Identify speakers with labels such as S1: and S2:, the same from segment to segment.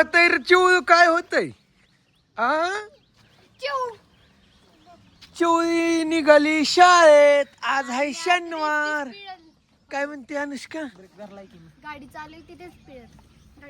S1: होतय रे चिव काय होतय आ चिवळी निघाली शाळेत आज आहे शनिवार काय म्हणते अनुष्का
S2: गाडी चालू तिथेच पिळत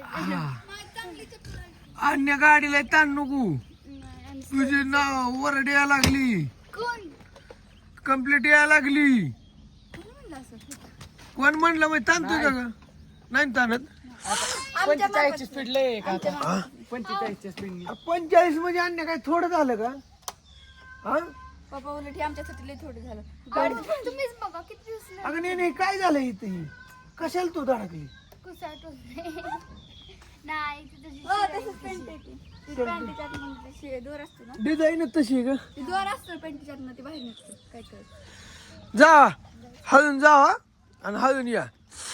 S1: अन्य गाडीला ताण नको तुझे नाव वरड यायला लागली
S2: कोण
S1: कंप्लीट यायला लागली
S2: म्हणलं असं
S1: कोण म्हणलं मग ताणतोय का ग? नाही ताणत
S3: 45 स्पीड लय का 45 स्पीड
S1: 45 म्हणजे अन्य काय थोडं झालं का हा
S2: पप्पा उलट आमच्यासाठी लय थोडं झालं गाडी तुम्हीच बघा किती दिवस
S1: अगं नाही काय झालं इथे कशाला तू धडकली
S2: कुसाट नाही तसंच पेंट येते पॅन्टीच्या दोर असतो ना
S1: डिझाईन तशी आहे का
S2: ती दोर असतो पॅन्टीच्या ती बाहेर निघतो काय काय
S1: जा हळून जा हा आणि हळून या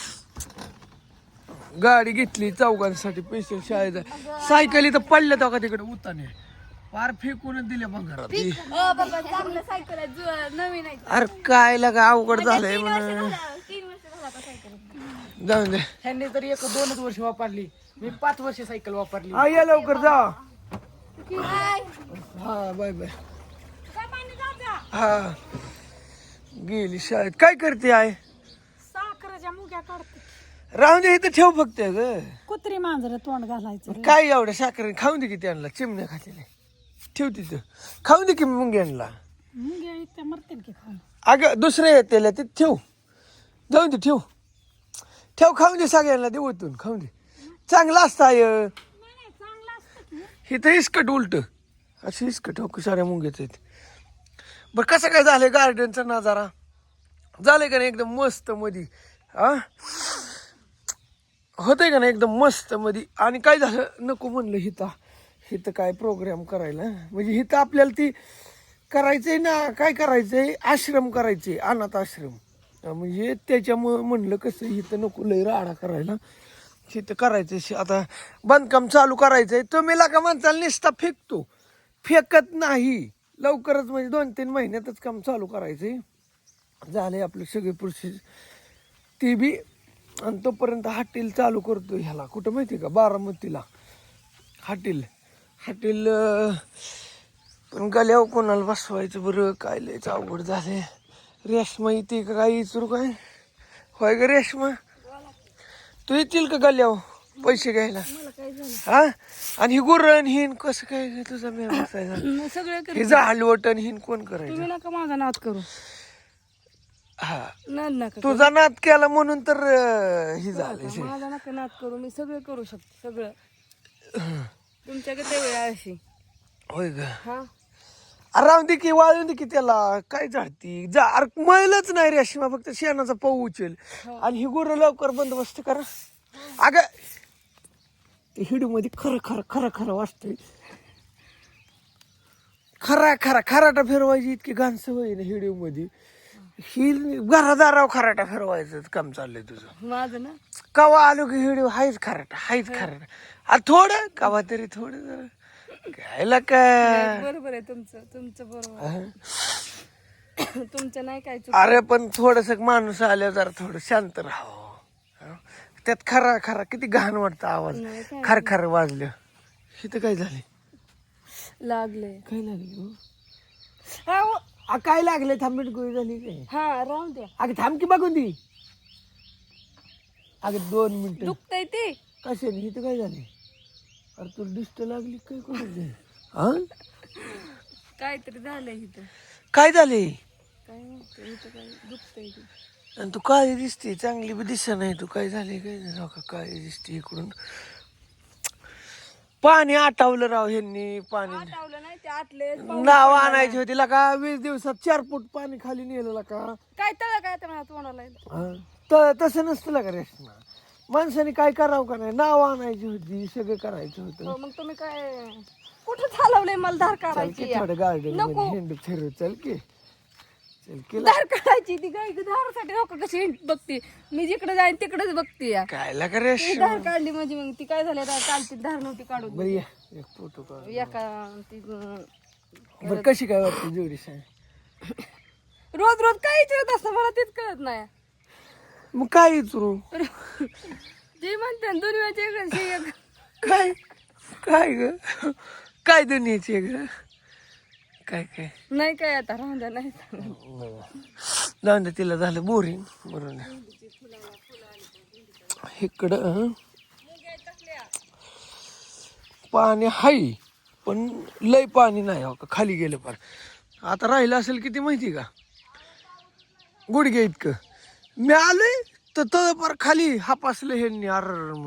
S1: गाडी घेतली चौघांसाठी पैसे शाळेचा सायकली तर पडल्या तो का तिकडे उताने पार फेकूनच दिल्या बंगारात
S2: बाबा चांगलं सायकल आहे नवीन आहे
S1: अरे काय लगा अवघड झालंय
S2: 3
S1: म्हण
S2: वर्ष झालं आता सायकल
S1: जाऊन दे
S3: ह्यांनी तर 1-2 वर्ष वापरली मी 5 वर्ष सायकल वापरली
S1: हा या लवकर जा
S2: काय
S1: हा बाय बाय हा गेली शाळेत काय करते आहे
S4: साखरेच्या मुग्या काढते
S1: राहून दे इथं ठेव फक्त ग
S4: कुत्री मांजर तोंड घालायचं
S1: काय एवढ्या साखर खाऊन दे की त्यांना चिमण्या खातेले ठेव तिथं खाऊन दे की मुंग्यांना
S4: मुंग्या इतक्या मरतील की खाऊन
S1: अगं दुसरे येते ते ठेव जाऊन दे ठेव ठेव खाऊन दे सगळ्यांना दे ओतून खाऊन दे चांगलं असतं आय
S4: चांगलं असतं की
S1: इथं इस्कट उलट अशी इस्कट हो साऱ्या मुंग्याच आहेत बरं कसं काय झालंय गार्डनचा नजारा झालंय का नाही एकदम मस्त मधी हा होतंय का नाही एकदम मस्त मध्ये आणि काय झालं नको म्हणलं हिथं काय प्रोग्राम करायला म्हणजे हिथं आपल्याला ती करायचंय ना काय करायचंय आश्रम करायचे अनाथ आश्रम म्हणजे त्याच्यामुळं म्हणलं कसं हिथं नको लय राडा करायला हिथं करायचं आता बांधकाम चालू करायचंय तुम्ही लागा माणसाला निस्ता फेकतो फेकत नाही लवकरच म्हणजे 2-3 महिन्यातच काम चालू करायचंय झाले आपले सगळे प्रोसेस ती बी आणि तोपर्यंत हॉटेल चालू करतो ह्याला कुठं माहिती का बारामतीला हॉटेल पण गल्यावर कोणाला बसवायचं बरं काय लयच अवघड झाले रेशमा येते का काय विचारू काय होय ग रेशमा तू येतील का गल्यावर पैसे घ्यायला हा आणि ही गुरण हिन कसं काय तुझा मेळ बसायचा
S4: सगळं
S1: हे हलवटन हिन कोण करायचं
S4: तुम्ही नका माझा नाद करू
S1: हा
S4: नाद नका
S1: तुझा नाद केला म्हणून तर ही झाले
S4: माझा नका नाद करू मी सगळं करू शकते सगळं तुमच्याकडे वेळ अशी
S1: होय ग
S4: हा
S1: राहून दे की वाळून दे की त्याला काय झाडती जा अरे मळलंच नाही रेशमा फक्त शेणाचा पाऊ उचल आणि ही गुरं लवकर बंदोबस्त करा अगं ते हिडू मध्ये खरं वाटतंय खराटा फिरवायची इतकी घाण सवय ना हिडू मध्ये ही घरादाराव खराटा फिरवायचं काम चाललंय तुझं
S4: माझं ना
S1: कवा आलो की हिडू हायच खराटा थोडं कवा तरी थोडं जरा घ्यायला का
S4: बरोबर आहे तुमचं बरोबर आहे. तुमचं नाही काय चुक
S1: अरे पण थोडस माणूस आल्यावर जरा थोडं शांत राहावं त्यात खरा किती घाण वाटतं आवाज
S4: नाही काय
S1: खर वाजलं इथं काय झाले
S4: लागले
S1: काय लागले काय लागले थांबीट गोळी झाली काय
S4: हा राहून द्या
S1: अगं थांब की बघून ती अगं 2 मिनिटं
S4: दुखतय ते
S1: कशाने इथं काय झाले अरे तुला डिस्ट लागली काय कोणाची हा
S4: काहीतरी झालंय इथं
S1: काय झाले
S4: काय म्हणतो इथं काय दुखतय ते
S1: आणि तू काळी दिसते चांगली बी दिसत नाही तू काय झाले काय नाही का काळी दिसते इकडून पाणी आटावलं राव ह्यांनी पाणी
S4: आठवलं नाही ते आतले
S1: नाव आणायची होती का 20 दिवसात 4 फूट पाणी खाली नेलं का
S4: काय तळ काय तर मला तोंडाला येतं.
S1: तर तसं नसतं का रेशमा माणसाने काय करावं का नाही नाव आणायची होती सगळं करायचं होतं
S4: हो, मग तुम्ही काय कुठं चालवलंय मला धार
S1: चल
S4: काढायची
S1: की थोडं गार्डन
S4: नको.
S1: मध्ये हिंड फिरू चल की
S4: धार काढायची ती गाय धारासाठी लोक कशी बघते मी जिकडे जाईन तिकडेच बघते या
S1: काय लागा
S4: ती
S1: रेशमा
S4: धार काढली म्हणजे मग ती काय झालं काल ती धार नव्हती काढून
S1: बरं या एक फोटो काढ
S4: एका ती
S1: बरं कशी काय वाटते जोडी सांग
S4: रोज काय विचारत असतं मला तेच कळत नाही
S1: मग काय विचारू
S4: जे म्हणते दुनियाचे
S1: काय काय ग काय दुनियाची आहे ग काय काय
S4: नाही काय आता राहून द्या नाही
S1: जाऊन दे तिला झालं बोरिंग बरोबर इकडं पाणी हाय पण लय पाणी नाही हो का खाली गेलं पार आता राहिलं असेल किती माहिती का गुडघे इतकं मी आलोय तर पार खाली हापासलं हे अर